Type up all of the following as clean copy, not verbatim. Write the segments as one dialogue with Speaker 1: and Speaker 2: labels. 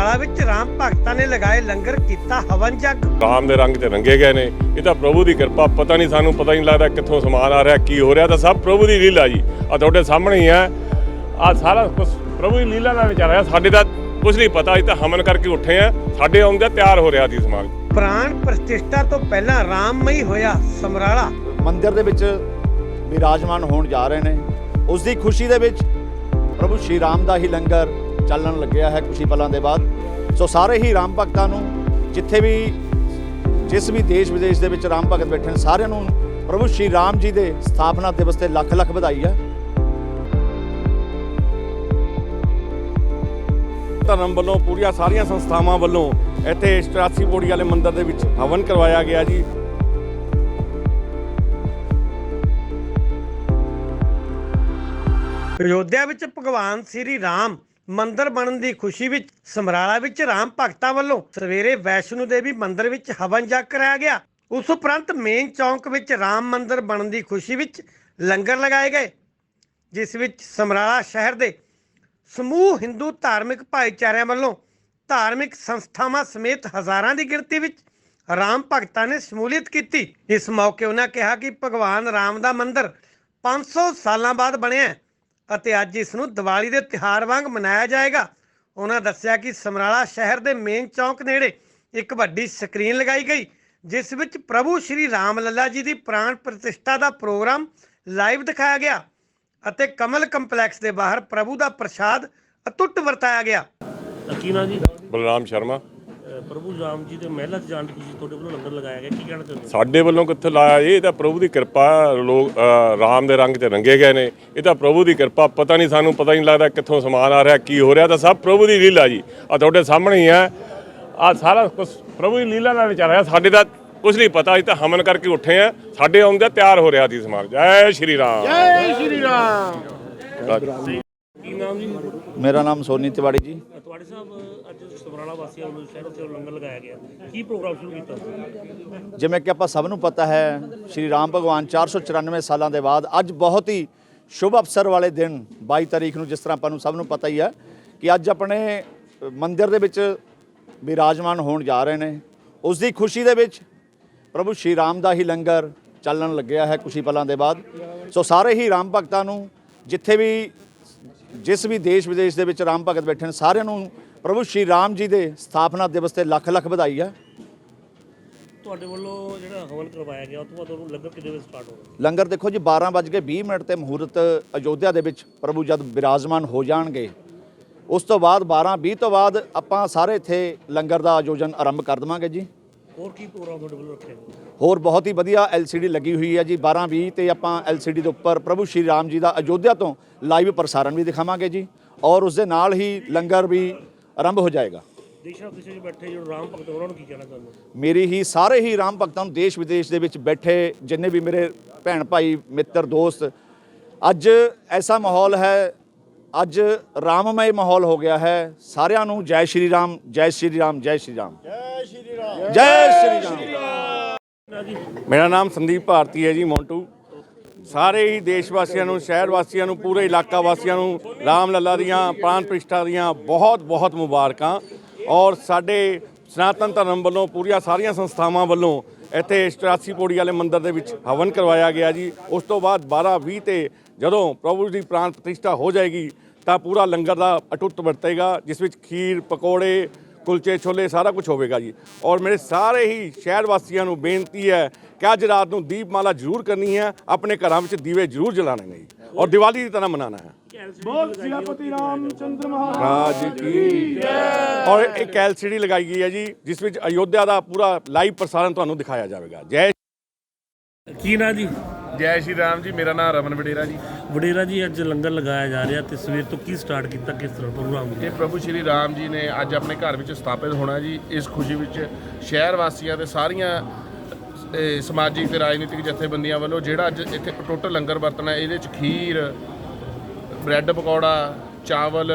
Speaker 1: ਸਮਰਾਲਾ ਵਿੱਚ ਰਾਮ ਭਗਤਾਂ ਨੇ ਲਗਾਏ ਲੰਗਰ ਕੀਤਾ ਹਵਨ ਜਗ।
Speaker 2: ਰਾਮ ਦੇ ਰੰਗ ਤੇ ਰੰਗੇ ਗਏ ਨੇ। ਇਹ ਤਾਂ ਪ੍ਰਭੂ ਦੀ ਕਿਰਪਾ। ਪਤਾ ਨਹੀਂ, ਸਾਨੂੰ ਪਤਾ ਹੀ ਨਹੀਂ ਲੱਗਦਾ ਕਿੱਥੋਂ ਸਮਾਨ ਆ ਰਿਹਾ, ਕੀ ਹੋ ਰਿਹਾ। ਤਾਂ ਸਭ ਪ੍ਰਭੂ ਦੀ ਲੀਲਾ ਜੀ। ਆ ਤੁਹਾਡੇ ਸਾਹਮਣੇ ਹੀ ਹੈ। ਆ ਸਾਰਾ ਕੁਝ ਪ੍ਰਭੂ ਦੀ ਲੀਲਾ ਦਾ ਵਿਚਾਰ ਹੈ। ਸਾਡੇ ਤਾਂ ਕੁਝ ਨਹੀਂ ਪਤਾ। ਅਸੀਂ ਤਾਂ ਹਵਨ ਕਰਕੇ ਉੱਠੇ ਆ। ਸਾਡੇ ਆਉਂਦੇ ਤਿਆਰ ਹੋ ਰਿਹਾ ਸੀ ਸਮਾਨ।
Speaker 1: ਪ੍ਰਾਣ ਪ੍ਰਤਿਸ਼ਠਾ ਤੋਂ ਪਹਿਲਾਂ ਰਾਮਮਈ ਹੋਇਆ ਸਮਰਾਲਾ।
Speaker 3: ਮੰਦਿਰ ਦੇ ਵਿੱਚ ਵਿਰਾਜਮਾਨ ਹੋਣ ਜਾ ਰਹੇ ਨੇ। ਉਸ ਦੀ ਖੁਸ਼ੀ ਦੇ ਵਿੱਚ ਪ੍ਰਭੂ ਸ਼੍ਰੀ ਰਾਮ ਦਾ ਹੀ ਲੰਗਰ ਚੱਲਣ ਲੱਗਿਆ ਹੈ ਕੁਝ ਹੀ ਪਲਾਂ ਦੇ ਬਾਅਦ। ਸੋ ਸਾਰੇ ਹੀ ਰਾਮ ਭਗਤਾਂ ਨੂੰ, ਜਿੱਥੇ ਵੀ ਜਿਸ ਵੀ ਦੇਸ਼ ਵਿਦੇਸ਼ ਦੇ ਵਿੱਚ ਰਾਮ ਭਗਤ ਬੈਠੇ ਨੇ, ਸਾਰਿਆਂ ਨੂੰ ਪ੍ਰਭੂ ਸ਼੍ਰੀ ਰਾਮ ਜੀ ਦੇ ਸਥਾਪਨਾ ਦਿਵਸ ਤੇ ਲੱਖ ਲੱਖ ਵਧਾਈ ਹੈ।
Speaker 4: ਧਰਮ ਵੱਲੋਂ ਪੂਰੀਆਂ ਸਾਰੀਆਂ ਸੰਸਥਾਵਾਂ ਵੱਲੋਂ ਇੱਥੇ 84 ਪੌੜੀ ਵਾਲੇ ਮੰਦਿਰ ਦੇ ਵਿੱਚ ਹਵਨ ਕਰਵਾਇਆ ਗਿਆ ਜੀ।
Speaker 1: ਅਯੋਧਿਆ ਵਿੱਚ ਭਗਵਾਨ ਸ੍ਰੀ ਰਾਮ ਮੰਦਿਰ ਬਣਨ ਦੀ ਖੁਸ਼ੀ ਵਿੱਚ ਸਮਰਾਲਾ ਵਿੱਚ ਰਾਮ ਭਗਤਾਂ ਵੱਲੋਂ ਸਵੇਰੇ ਵੈਸ਼ਨੋ ਦੇਵੀ ਮੰਦਿਰ ਵਿੱਚ ਹਵਨ ਜਗ ਕਰਾਇਆ ਗਿਆ। ਉਸ ਉਪਰੰਤ ਮੇਨ ਚੌਂਕ ਵਿੱਚ ਰਾਮ ਮੰਦਿਰ ਬਣਨ ਦੀ ਖੁਸ਼ੀ ਵਿੱਚ ਲੰਗਰ ਲਗਾਏ ਗਏ, ਜਿਸ ਵਿੱਚ ਸਮਰਾਲਾ ਸ਼ਹਿਰ ਦੇ ਸਮੂਹ ਹਿੰਦੂ ਧਾਰਮਿਕ ਭਾਈਚਾਰਿਆਂ ਵੱਲੋਂ ਧਾਰਮਿਕ ਸੰਸਥਾਵਾਂ ਸਮੇਤ ਹਜ਼ਾਰਾਂ ਦੀ ਗਿਣਤੀ ਵਿੱਚ ਰਾਮ ਭਗਤਾਂ ਨੇ ਸ਼ਮੂਲੀਅਤ ਕੀਤੀ। ਇਸ ਮੌਕੇ ਉਹਨਾਂ ਕਿਹਾ ਕਿ ਭਗਵਾਨ ਰਾਮ ਦਾ ਮੰਦਿਰ 500 ਸਾਲਾਂ ਬਾਅਦ ਬਣਿਆ ਹੈ ਅਤੇ ਅੱਜ ਇਸ ਨੂੰ ਦੀਵਾਲੀ ਦੇ ਤਿਉਹਾਰ ਵਾਂਗ ਮਨਾਇਆ ਜਾਏਗਾ। ਉਹਨਾਂ ਦੱਸਿਆ ਕਿ ਸਮਰਾਲਾ ਸ਼ਹਿਰ ਦੇ ਮੇਨ ਚੌਂਕ ਨੇੜੇ ਇੱਕ ਵੱਡੀ ਸਕਰੀਨ ਲਗਾਈ ਗਈ, ਜਿਸ ਵਿੱਚ ਪ੍ਰਭੂ ਸ਼੍ਰੀ ਰਾਮ ਲੱਲਾ ਜੀ ਦੀ ਪ੍ਰਾਣ ਪ੍ਰਤਿਸ਼ਠਾ ਦਾ ਪ੍ਰੋਗਰਾਮ ਲਾਈਵ ਦਿਖਾਇਆ ਗਿਆ ਅਤੇ ਕਮਲ ਕੰਪਲੈਕਸ ਦੇ ਬਾਹਰ ਪ੍ਰਭੂ ਦਾ ਪ੍ਰਸ਼ਾਦ ਅਟੁੱਟ ਵਰਤਾਇਆ ਗਿਆ।
Speaker 5: ਕੀ ਨਾਂ ਜੀ?
Speaker 2: ਬਲਰਾਮ ਸ਼ਰਮਾ।
Speaker 5: ਪ੍ਰਭੂ ਰਾਮ ਜੀ ਦੇ ਮਹਿਲਾ 'ਚ ਜਾਣ ਦੀ ਖੁਸ਼ੀ ਤੁਹਾਡੇ ਵੱਲੋਂ ਲੰਗਰ ਲਗਾਇਆ ਗਿਆ, ਕੀ ਕਹਿਣਾ ਚਾਹੁੰਦੇ ਹੋ?
Speaker 2: ਸਾਡੇ ਵੱਲੋਂ ਕਿੱਥੇ ਲਾਇਆ ਜੀ? ਇਹ ਤਾਂ ਪ੍ਰਭੂ ਦੀ ਕਿਰਪਾ। ਲੋਕ ਰਾਮ ਦੇ ਰੰਗ ਤੇ ਰੰਗੇ ਗਏ ਨੇ। ਇਹ ਤਾਂ ਪ੍ਰਭੂ ਦੀ ਕਿਰਪਾ। ਪਤਾ ਨਹੀਂ, ਸਾਨੂੰ ਪਤਾ ਹੀ ਨਹੀਂ ਲੱਗਦਾ ਕਿੱਥੋਂ ਸਮਾਨ ਆ ਰਿਹਾ, ਕੀ ਹੋ ਰਿਹਾ। ਤਾਂ ਸਭ ਪ੍ਰਭੂ ਦੀ ਲੀਲਾ ਜੀ। ਆ ਤੁਹਾਡੇ ਸਾਹਮਣੇ ਹੀ ਹੈ। ਆ ਸਾਰਾ ਕੁਝ ਪ੍ਰਭੂ ਦੀ ਲੀਲਾ ਦਾ ਵਿਚਾਰ ਹੈ। ਸਾਡੇ ਤਾਂ ਕੁਝ ਨਹੀਂ ਪਤਾ। ਅਸੀਂ ਤਾਂ ਹਵਨ ਕਰਕੇ ਉੱਠੇ ਆ। ਸਾਡੇ ਆਉਂਦੇ ਤਿਆਰ ਹੋ ਰਿਹਾ ਸੀ ਸਮਾਨ। ਜੈ ਸ਼੍ਰੀ ਰਾਮ।
Speaker 3: ਜੈ ਸ਼੍ਰੀ ਰਾਮ।
Speaker 5: ਕੀ ਨਾਮ ਜੀ?
Speaker 3: ਮੇਰਾ ਨਾਮ ਸੋਨੀ ਤਿਵਾੜੀ ਜੀ।
Speaker 5: ਤੁਹਾਡੇ ਸਾਹਿਬ ਅੱਜ ਸਮਰਾਲਾ ਵਾਸੀਆਂ ਵੱਲੋਂ ਸ਼ਹਿਰ 'ਚ ਲੰਗਰ ਲਗਾਇਆ ਗਿਆ, ਕੀ ਪ੍ਰੋਗਰਾਮ ਸ਼ੁਰੂ ਕੀਤਾ?
Speaker 3: ਜਿਵੇਂ ਕਿ ਆਪਾਂ ਸਭ ਨੂੰ ਪਤਾ ਹੈ, ਸ਼੍ਰੀ ਰਾਮ ਭਗਵਾਨ 494 ਸਾਲਾਂ ਦੇ ਬਾਅਦ ਅੱਜ ਬਹੁਤ ਹੀ ਸ਼ੁਭ ਅਵਸਰ ਵਾਲੇ ਦਿਨ 22 ਤਾਰੀਖ ਨੂੰ, ਜਿਸ ਤਰ੍ਹਾਂ ਆਪਾਂ ਨੂੰ ਸਭ ਨੂੰ ਪਤਾ ਹੀ ਹੈ ਕਿ ਅੱਜ ਆਪਣੇ ਮੰਦਿਰ ਦੇ ਵਿੱਚ ਵਿਰਾਜਮਾਨ ਹੋਣ ਜਾ ਰਹੇ ਨੇ। ਉਸ ਦੀ ਖੁਸ਼ੀ ਦੇ ਵਿੱਚ ਪ੍ਰਭੂ ਸ਼੍ਰੀ ਰਾਮ ਦਾ ਹੀ ਲੰਗਰ ਚੱਲਣ ਲੱਗਿਆ ਹੈ ਕੁਝ ਹੀ ਪਲਾਂ ਦੇ ਬਾਅਦ। ਸੋ ਸਾਰੇ ਹੀ ਰਾਮ ਭਗਤਾਂ ਨੂੰ, ਜਿੱਥੇ ਵੀ ਜਿਸ ਵੀ ਦੇਸ਼ ਵਿਦੇਸ਼ ਦੇ ਵਿੱਚ ਰਾਮ ਭਗਤ ਬੈਠੇ ਨੇ, ਸਾਰਿਆਂ ਨੂੰ ਪ੍ਰਭੂ ਸ਼੍ਰੀ ਰਾਮ ਜੀ ਦੇ ਸਥਾਪਨਾ ਦਿਵਸ ਤੇ ਲੱਖ ਲੱਖ ਵਧਾਈ ਹੈ।
Speaker 5: ਤੁਹਾਡੇ ਵੱਲੋਂ ਜਿਹੜਾ ਹਵਨ ਕਰਵਾਇਆ ਗਿਆ, ਉਸ ਤੋਂ ਬਾਅਦ ਤੁਹਾਨੂੰ ਲੰਗਰ ਕਿੰਨੇ ਵਜੇ ਸਟਾਰਟ ਹੋਗਾ?
Speaker 3: ਲੰਗਰ ਦੇਖੋ ਜੀ, 12:20 ਤੇ ਮਹੂਰਤ ਅਯੋਧਿਆ ਦੇ ਵਿੱਚ ਪ੍ਰਭੂ ਜਦ ਵਿਰਾਜਮਾਨ ਹੋ ਜਾਣਗੇ, ਉਸ ਤੋਂ ਬਾਅਦ 12:20 ਤੋਂ ਬਾਅਦ ਆਪਾਂ ਸਾਰੇ ਇੱਥੇ ਲੰਗਰ ਦਾ ਆਯੋਜਨ ਆਰੰਭ ਕਰ ਦੇਵਾਂਗੇ ਜੀ।
Speaker 5: ਹੋਰ ਕੀ ਪ੍ਰੋਗਰਾਮ ਤੁਹਾਡੇ ਵੱਲੋਂ ਰੱਖਿਆ ਗਿਆ?
Speaker 3: ਹੋਰ ਬਹੁਤ ਹੀ ਵਧੀਆ LCD ਲੱਗੀ ਹੋਈ ਹੈ ਜੀ। 12:20 ਤੇ ਆਪਾਂ LCD ਦੇ ਉੱਪਰ ਪ੍ਰਭੂ ਸ਼੍ਰੀ ਰਾਮ ਜੀ ਦਾ ਅਯੋਧਿਆ ਤੋਂ ਲਾਈਵ ਪ੍ਰਸਾਰਣ ਵੀ ਦਿਖਾਵਾਂਗੇ ਜੀ, ਔਰ ਉਸ ਦੇ ਨਾਲ ਹੀ ਲੰਗਰ ਵੀ ਆਰੰਭ ਹੋ ਜਾਏਗਾ।
Speaker 5: ਦੇਸ਼ਾਂ ਵਿਦੇਸ਼ਾਂ 'ਚ ਬੈਠੇ ਜਿਹੜੇ ਰਾਮ ਭਗਤ, ਉਹਨਾਂ ਨੂੰ ਕੀ ਕਹਿਣਾ ਚਾਹੁੰਦੇ ਹੋ?
Speaker 3: ਮੇਰੀ ਹੀ ਸਾਰੇ ਹੀ ਰਾਮ ਭਗਤਾਂ ਨੂੰ, ਦੇਸ਼ ਵਿਦੇਸ਼ ਦੇ ਵਿੱਚ ਬੈਠੇ ਜਿੰਨੇ ਵੀ ਮੇਰੇ ਭੈਣ ਭਾਈ ਮਿੱਤਰ ਦੋਸਤ, ਅੱਜ ਐਸਾ ਮਾਹੌਲ ਹੈ, ਅੱਜ ਰਾਮਮय ਮਾਹੌਲ ਹੋ ਗਿਆ ਹੈ। ਸਾਰਿਆਂ ਨੂੰ ਜੈ ਸ਼੍ਰੀ ਰਾਮ, ਜੈ ਸ਼੍ਰੀ ਰਾਮ, ਜੈ ਸ਼੍ਰੀ ਰਾਮ, ਜੈ ਸ਼੍ਰੀ ਰਾਮ, ਜੈ ਸ਼੍ਰੀ ਰਾਮ।
Speaker 4: ਮੇਰਾ ਨਾਮ ਸੰਦੀਪ ਭਾਰਤੀ ਹੈ ਜੀ, ਮੌਂਟੂ। ਸਾਰੇ ਹੀ ਦੇਸ਼ ਵਾਸੀਆਂ ਨੂੰ, ਸ਼ਹਿਰ ਵਾਸੀਆਂ ਨੂੰ, ਪੂਰੇ ਇਲਾਕਾ ਵਾਸੀਆਂ ਨੂੰ ਰਾਮ ਲੱਲਾ ਦੀਆਂ ਪ੍ਰਾਣ ਪ੍ਰਤਿਸ਼ਠਾ ਦੀਆਂ ਬਹੁਤ ਬਹੁਤ ਮੁਬਾਰਕਾਂ। ਔਰ ਸਾਡੇ ਸਨਾਤਨ ਧਰਮ ਵੱਲੋਂ ਪੂਰੀਆਂ ਸਾਰੀਆਂ ਸੰਸਥਾਵਾਂ ਵੱਲੋਂ ਇੱਥੇ 84 ਪੌੜੀ ਵਾਲੇ ਮੰਦਿਰ ਦੇ ਵਿੱਚ ਹਵਨ ਕਰਵਾਇਆ ਗਿਆ ਜੀ। ਉਸ ਤੋਂ ਬਾਅਦ 12:20 ਤੇ ਜਦੋਂ ਪ੍ਰਭੂ ਦੀ ਪ੍ਰਾਣ ਪ੍ਰਤਿਸ਼ਠਾ ਹੋ ਜਾਏਗੀ ਤਾਂ ਪੂਰਾ ਲੰਗਰ ਦਾ ਅਟੁੱਟ ਵਰਤੇਗਾ, ਜਿਸ ਵਿੱਚ ਖੀਰ, ਪਕੌੜੇ, ਕੁਲਚੇ ਛੋਲੇ ਸਾਰਾ ਕੁਝ ਹੋਵੇਗਾ ਜੀ। ਔਰ ਮੇਰੇ ਸਾਰੇ ਹੀ ਸ਼ਹਿਰ ਵਾਸੀਆਂ ਨੂੰ ਬੇਨਤੀ ਹੈ ਕਿ ਅੱਜ ਰਾਤ ਨੂੰ ਦੀਪਮਾਲਾ ਜ਼ਰੂਰ ਕਰਨੀ ਹੈ, ਆਪਣੇ ਘਰਾਂ ਵਿੱਚ ਦੀਵੇ ਜ਼ਰੂਰ ਜਲਾਣੇ ਨੇ ਜੀ, ਔਰ ਦੀਵਾਲੀ ਦੀ ਤਰ੍ਹਾਂ ਮਨਾਉਣਾ ਹੈ।
Speaker 5: ਬੋਲ ਸਿਆਪਤੀ ਰਾਮਚੰਦਰ
Speaker 4: ਰਾਜ ਕੀ ਜੈ। ਔਰ ਇੱਕ LCD ਲਗਾਈ ਗਈ ਹੈ ਜੀ, ਜਿਸ ਵਿੱਚ ਅਯੋਧਿਆ ਦਾ ਪੂਰਾ ਲਾਈਵ ਪ੍ਰਸਾਰਣ ਤੁਹਾਨੂੰ ਦਿਖਾਇਆ ਜਾਵੇਗਾ। ਜੈ।
Speaker 5: ਕੀ ਨਾਂ ਜੀ?
Speaker 6: ਜੈ ਸ਼੍ਰੀ ਰਾਮ ਜੀ। ਮੇਰਾ ਨਾਮ ਰਮਨ ਵਡੇਰਾ ਜੀ।
Speaker 5: ਵਡੇਰਾ ਜੀ, ਅੱਜ ਲੰਗਰ ਲਗਾਇਆ ਜਾ ਰਿਹਾ ਤੇ ਸਵੇਰ ਤੋਂ ਕੀ ਸਟਾਰਟ ਕੀਤਾ, ਕਿਸ ਤਰ੍ਹਾਂ ਪ੍ਰੋਗਰਾਮ?
Speaker 6: ਇਹ ਪ੍ਰਭੂ ਸ਼੍ਰੀ ਰਾਮ ਜੀ ਨੇ ਅੱਜ ਆਪਣੇ ਘਰ ਵਿੱਚ ਸਥਾਪਿਤ ਹੋਣਾ ਜੀ। ਇਸ ਖੁਸ਼ੀ ਵਿੱਚ ਸ਼ਹਿਰ ਵਾਸੀਆਂ ਤੇ ਸਾਰੀਆਂ ਸਮਾਜਿਕ ਤੇ ਰਾਜਨੀਤਿਕ ਜਥੇਬੰਦੀਆਂ ਵੱਲੋਂ ਜਿਹੜਾ ਅੱਜ ਇੱਥੇ ਅਟੁੱਟ ਲੰਗਰ ਵਰਤਣਾ, ਇਹਦੇ 'ਚ ਖੀਰ, ਬ੍ਰੈਡ ਪਕੌੜਾ, ਚਾਵਲ,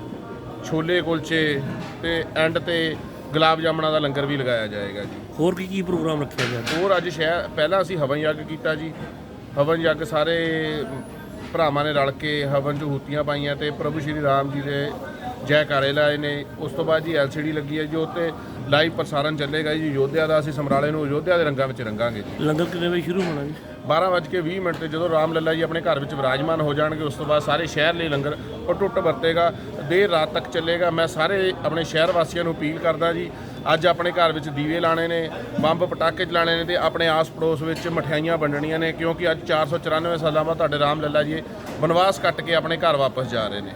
Speaker 6: ਛੋਲੇ ਕੁਲਚੇ ਤੇ ਐਂਡ ਤੇ ਗੁਲਾਬ ਜਾਮਣਾ ਦਾ ਲੰਗਰ ਵੀ ਲਗਾਇਆ ਜਾਏਗਾ ਜੀ।
Speaker 5: ਹੋਰ ਕੀ ਪ੍ਰੋਗਰਾਮ ਰੱਖਿਆ ਗਿਆ?
Speaker 6: ਹੋਰ ਅੱਜ ਪਹਿਲਾਂ ਅਸੀਂ ਹਵਨ ਯੱਗ ਕੀਤਾ ਜੀ। ਹਵਨ ਯੱਗ ਸਾਰੇ ਭਰਾਵਾਂ ਨੇ ਰਲ ਕੇ ਹਵਨ 'ਚ ਹੂਤੀਆਂ ਪਾਈਆਂ ਤੇ ਪ੍ਰਭੂ ਸ਼੍ਰੀ ਰਾਮ ਜੀ ਦੇ ਜੈਕਾਰੇ ਲਾਏ ਨੇ। ਉਸ ਤੋਂ ਬਾਅਦ ਜੀ LCD ਲੱਗੀ ਹੈ ਜੀ, ਉੱਤੇ ਲਾਈਵ ਪ੍ਰਸਾਰਣ ਚੱਲੇਗਾ ਜੀ ਯੋਧਿਆ ਦਾ। ਅਸੀਂ ਸਮਰਾਲੇ ਨੂੰ ਯੋਧਿਆ ਦੇ ਰੰਗਾਂ ਵਿੱਚ ਰੰਗਾਂਗੇ ਜੀ।
Speaker 5: ਲੰਗਰ ਕਿੰਨੇ ਵਜੇ ਸ਼ੁਰੂ ਹੋਣਾ ਜੀ?
Speaker 6: 12:20 ਤੇ ਜਦੋਂ ਰਾਮ ਲੱਲਾ ਜੀ ਆਪਣੇ ਘਰ ਵਿੱਚ ਵਿਰਾਜਮਾਨ ਹੋ ਜਾਣਗੇ, ਉਸ ਤੋਂ ਬਾਅਦ ਸਾਰੇ ਸ਼ਹਿਰ ਲਈ ਲੰਗਰ ਅਟੁੱਟ ਵਰਤੇਗਾ, ਦੇਰ ਰਾਤ ਤੱਕ ਚੱਲੇਗਾ। ਮੈਂ ਸਾਰੇ ਆਪਣੇ ਸ਼ਹਿਰ ਵਾਸੀਆਂ ਨੂੰ ਅਪੀਲ ਕਰਦਾ ਜੀ, ਅੱਜ ਆਪਣੇ ਘਰ ਵਿੱਚ ਦੀਵੇ ਲਾਣੇ ਨੇ, ਬੰਬ ਪਟਾਕੇ ਚਲਾਣੇ ਨੇ ਤੇ ਆਪਣੇ ਆਸ ਪੜੋਸ ਵਿੱਚ ਮਠਿਆਈਆਂ ਵੰਡਣੀਆਂ ਨੇ, ਕਿਉਂਕਿ ਅੱਜ 494 ਸਾਲਾਂ ਬਾਅਦ ਤੁਹਾਡੇ ਰਾਮ ਲੱਲਾ ਜੀ ਬਨਵਾਸ ਕੱਟ ਕੇ ਆਪਣੇ ਘਰ ਵਾਪਸ ਜਾ ਰਹੇ ਨੇ।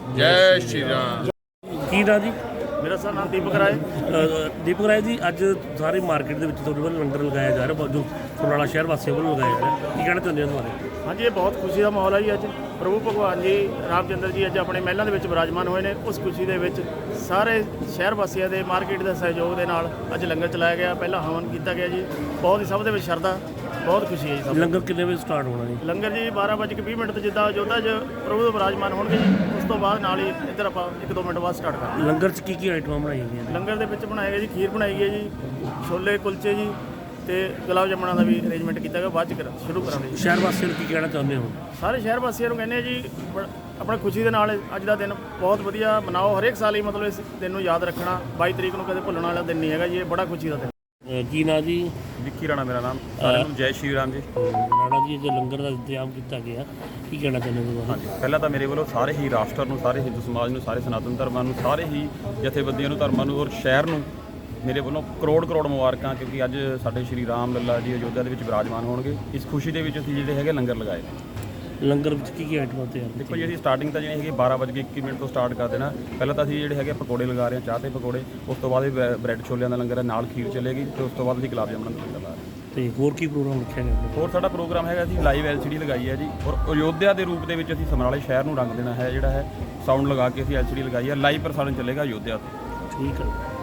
Speaker 6: ਜੈ ਸ਼੍ਰੀ ਰਾਮ।
Speaker 5: ਕੀ ਨਾਂ ਜੀ?
Speaker 7: ਮੇਰਾ ਸਰ ਨਾਮ ਦੀਪਕ ਰਾਏ।
Speaker 5: ਦੀਪਕ ਰਾਏ ਜੀ, ਅੱਜ ਸਾਰੀ ਮਾਰਕੀਟ ਦੇ ਵਿੱਚ ਤੁਹਾਡੇ ਵੱਲੋਂ ਲੰਗਰ ਲਗਾਇਆ ਜਾ ਰਿਹਾ, ਜੋ ਸਮਰਾਲਾ ਸ਼ਹਿਰ ਵਾਸੀਆਂ ਵੱਲੋਂ ਲਗਾਇਆ ਜਾ ਰਿਹਾ, ਕੀ ਕਹਿਣਾ ਚਾਹੁੰਦੇ ਹੋ ਤੁਹਾਡੇ?
Speaker 7: ਹਾਂਜੀ, ਇਹ ਬਹੁਤ ਖੁਸ਼ੀ ਦਾ ਮਾਹੌਲ ਹੈ ਜੀ। ਅੱਜ ਪ੍ਰਭੂ ਭਗਵਾਨ ਜੀ ਰਾਮਚੰਦਰ ਜੀ ਅੱਜ ਆਪਣੇ ਮਹਿਲਾਂ ਦੇ ਵਿੱਚ ਵਿਰਾਜਮਾਨ ਹੋਏ ਨੇ। ਉਸ ਖੁਸ਼ੀ ਦੇ ਵਿੱਚ ਸਾਰੇ ਸ਼ਹਿਰ ਵਾਸੀਆਂ ਦੇ ਮਾਰਕੀਟ ਦੇ ਸਹਿਯੋਗ ਦੇ ਨਾਲ ਅੱਜ ਲੰਗਰ ਚਲਾਇਆ ਗਿਆ, ਪਹਿਲਾਂ ਹਵਨ ਕੀਤਾ ਗਿਆ ਜੀ। ਬਹੁਤ ਹੀ ਸਭ ਦੇ ਵਿੱਚ ਸ਼ਰਧਾ, ਬਹੁਤ ਖੁਸ਼ੀ ਹੈ ਜੀ ਸਭ ਨੂੰ।
Speaker 5: ਲੰਗਰ ਕਿੰਨੇ ਵਜੇ ਸਟਾਰਟ ਹੋਣਾ ਜੀ?
Speaker 7: ਲੰਗਰ ਜੀ 12:20 ਤੇ ਜਿੱਦਾਂ ਅਯੋਧਿਆ 'ਚ ਪ੍ਰਭੂ ਦੇ ਵਿਰਾਜਮਾਨ ਹੋਣਗੇ ਜੀ, ਉਸ ਤੋਂ ਬਾਅਦ ਨਾਲ ਹੀ ਇੱਧਰ ਆਪਾਂ 1-2 ਮਿੰਟ ਬਾਅਦ ਸਟਾਰਟ ਕਰਾਂਗੇ।
Speaker 5: ਲੰਗਰ 'ਚ ਕੀ ਆਈਟਮਾਂ ਬਣਾਈਆਂ ਗਈਆਂ ਨੇ?
Speaker 7: ਲੰਗਰ ਦੇ ਵਿੱਚ ਬਣਾਏ ਗਏ ਜੀ, ਖੀਰ ਬਣਾਈ ਗਈ ਜੀ, ਛੋਲੇ ਕੁਲਚੇ ਜੀ ਤੇ ਗੁਲਾਬ ਜਾਮਣਾ ਦਾ ਵੀ ਅਰੇਂਜਮੈਂਟ ਕੀਤਾ ਗਿਆ। ਬਾਅਦ 'ਚ ਸ਼ੁਰੂ ਕਰਾਂਗੇ ਜੀ।
Speaker 5: ਸ਼ਹਿਰ ਵਾਸੀਆਂ ਨੂੰ ਕੀ ਕਹਿਣਾ ਚਾਹੁੰਦੇ ਹੋ?
Speaker 7: ਸਾਰੇ ਸ਼ਹਿਰ ਵਾਸੀਆਂ ਨੂੰ ਕਹਿੰਦੇ ਆ ਜੀ, ਆਪਣਾ ਖੁਸ਼ੀ ਦੇ ਨਾਲ ਅੱਜ ਦਾ ਦਿਨ ਬਹੁਤ ਵਧੀਆ ਮਨਾਓ। ਹਰੇਕ ਸਾਲ ਹੀ ਮਤਲਬ ਇਸ ਦਿਨ ਨੂੰ ਯਾਦ ਰੱਖਣਾ। 22 ਤਰੀਕ ਨੂੰ ਕਦੇ ਭੁੱਲਣ ਵਾਲਾ ਦਿਨ ਨਹੀਂ ਹੈਗਾ ਜੀ, ਇਹ ਬੜਾ ਖੁਸ਼ੀ ਦਾ ਦਿਨ।
Speaker 5: ਕੀ ਨਾਂ ਜੀ?
Speaker 8: ਵਿੱਕੀ ਰਾਣਾ ਮੇਰਾ ਨਾਮ। ਸਾਰਿਆਂ ਨੂੰ ਜੈ ਸ਼੍ਰੀ ਰਾਮ ਜੀ।
Speaker 5: ਰਾਣਾ ਜੀ, ਜੋ ਲੰਗਰ ਦਾ ਇੰਤਜ਼ਾਮ ਕੀਤਾ ਗਿਆ, ਕੀ ਕਹਿਣਾ ਚਾਹੁੰਦੇ ਹੋ?
Speaker 8: ਹਾਂਜੀ, ਪਹਿਲਾਂ ਤਾਂ ਮੇਰੇ ਵੱਲੋਂ ਸਾਰੇ ਹੀ ਰਾਸ਼ਟਰ ਨੂੰ, ਸਾਰੇ ਹਿੰਦੂ ਸਮਾਜ ਨੂੰ, ਸਾਰੇ ਸਨਾਤਨ ਧਰਮਾਂ ਨੂੰ, ਸਾਰੇ ਹੀ ਜਥੇਬੰਦੀਆਂ ਨੂੰ, ਧਰਮਾਂ ਨੂੰ ਔਰ ਸ਼ਹਿਰ ਨੂੰ ਮੇਰੇ ਵੱਲੋਂ ਕਰੋੜ ਮੁਬਾਰਕਾਂ, ਕਿਉਂਕਿ ਅੱਜ ਸਾਡੇ ਸ਼੍ਰੀ ਰਾਮ ਲੱਲਾ ਜੀ ਅਯੋਧਿਆ ਦੇ ਵਿੱਚ ਵਿਰਾਜਮਾਨ ਹੋਣਗੇ। ਇਸ ਖੁਸ਼ੀ ਦੇ ਵਿੱਚ ਅਸੀਂ ਜਿਹੜੇ ਹੈਗੇ ਲੰਗਰ ਲਗਾਏ ਨੇ।
Speaker 5: ਲੰਗਰ ਵਿੱਚ ਕੀ ਆਈਟਮਾਂ ਤਿਆਰ?
Speaker 8: ਦੇਖੋ ਜੀ, ਅਸੀਂ ਸਟਾਰਟਿੰਗ ਤਾਂ ਜਿਹੜੀ ਹੈਗੀ 12:21 ਤੋਂ ਸਟਾਰਟ ਕਰ ਦੇਣਾ। ਪਹਿਲਾਂ ਤਾਂ ਅਸੀਂ ਜਿਹੜੇ ਹੈਗੇ ਪਕੌੜੇ ਲਗਾ ਰਹੇ ਹਾਂ, ਚਾਹ ਤੇ ਪਕੌੜੇ। ਉਸ ਤੋਂ ਬਾਅਦ ਬ੍ਰੈਡ ਛੋਲਿਆਂ ਦਾ ਲੰਗਰ ਹੈ, ਨਾਲ ਖੀਰ ਚੱਲੇਗੀ ਤੇ ਉਸ ਤੋਂ ਬਾਅਦ ਅਸੀਂ ਗੁਲਾਬ ਜਾਮਣ ਦਾ ਲੰਗਰ ਲਾ ਰਹੇ ਹਾਂ।
Speaker 5: ਤੇ ਹੋਰ ਕੀ ਪ੍ਰੋਗਰਾਮ ਰੱਖਿਆ ਗਿਆ?
Speaker 8: ਹੋਰ ਸਾਡਾ ਪ੍ਰੋਗਰਾਮ ਹੈਗਾ, ਅਸੀਂ ਲਾਈਵ LCD ਲਗਾਈ ਹੈ ਜੀ, ਔਰ ਅਯੋਧਿਆ ਦੇ ਰੂਪ ਦੇ ਵਿੱਚ ਅਸੀਂ ਸਮਰਾਲੇ ਸ਼ਹਿਰ ਨੂੰ ਰੰਗ ਦੇਣਾ ਹੈ। ਜਿਹੜਾ ਹੈ ਸਾਊਂਡ ਲਗਾ ਕੇ ਅਸੀਂ LCD ਲਗਾਈ ਹੈ, ਲਾਈਵ ਪ੍ਰਸਾਰਣ ਚੱਲੇਗਾ ਅਯੋਧਿਆ ਤੋਂ।
Speaker 5: ਠੀਕ ਹੈ।